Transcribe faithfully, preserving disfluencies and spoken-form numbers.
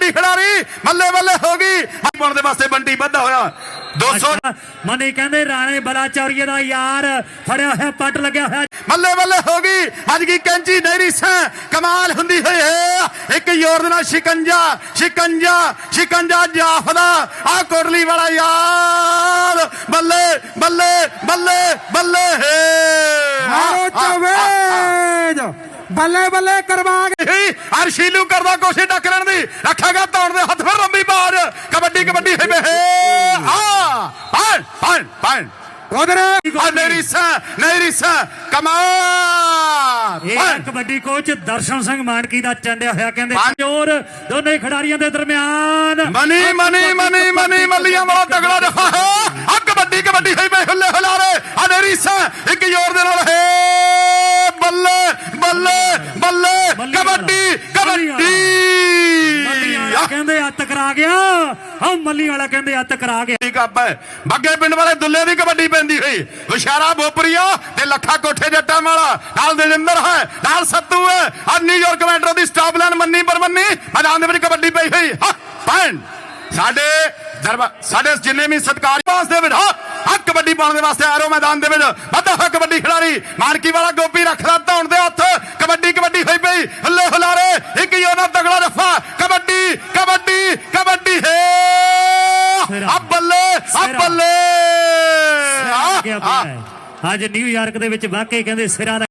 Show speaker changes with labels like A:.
A: कबड्डी खिडारी मल्ले मल्ले होगी पाने वास्ते बंटी बधा होया दो सौ
B: मनी कहते राणे बलाचौरीए का यार फड़िया होया पट लग्या होया
A: मल्ले मल्ले होगी अज की कैंची नहीं सा कमाल हुंदी होई है एक जोर दे नाल शिकंजा शिकंजा शिकंजा जाफदा आ कोटली वाला यार बल्ले बल्ले बल्ले बल्ले
C: बल्ले बल्ले करवा
A: हर शीलू करदा कोशिश टकरन दी रखेगा तौड़ दे हथ फिर लंबी बाज कबड्डी कबड्डी है आ पान पान पान
C: उधर
A: नहीं सा नहीं सा कमाल
B: कबड्डी कोच दर्शन सिंह मानकी का चंडिया होया कहंदे जोर दोनों खिडारियों के दरम्यान
A: मनी मनी मनी मनी मलिया वाला तगड़ा रखा है आ कबड्डी कबड्डी है बे हुल्ले हुलारे आ नहीं सा एक जोर दे नाल है बल्ले बल्ले बल्ले कबड्डी कबड्डी
B: कहंदे हत्थ करा गया हां मल्ली वाला कहंदे हत्थ करा गया
A: कप है बग्गे पिंड वाले दुल्ले की कबड्डी पैंदी हुई विशारा बोपरिया ते लखा कोठे जट्टा वाला नाल दजिंदर है नाल सत्तू है और न्यूयॉर्क मैट्रो दी स्टॉप लाइन मन्नी पर मन्नी मैदान दे विच कबड्डी पई हुई हां पैन साडे दरबा साडे जिन्ने भी सत्कार पास दे विच हां हक कबड्डी पाने दे वास्ते आरो मैदान दे विच वड्डा है कबड्डी खिडारी मानकी वाला गोपी रखदा धौण दे हत्थ कबड्डी कबड्डी होई पई हल्ले हुलारे एक योना तगड़ा रफा कबड्डी कबड्डी कबड्डी है अब बल्ले अब बल्ले
B: आज न्यूयॉर्क दे विच वाकई कहंदे सिरा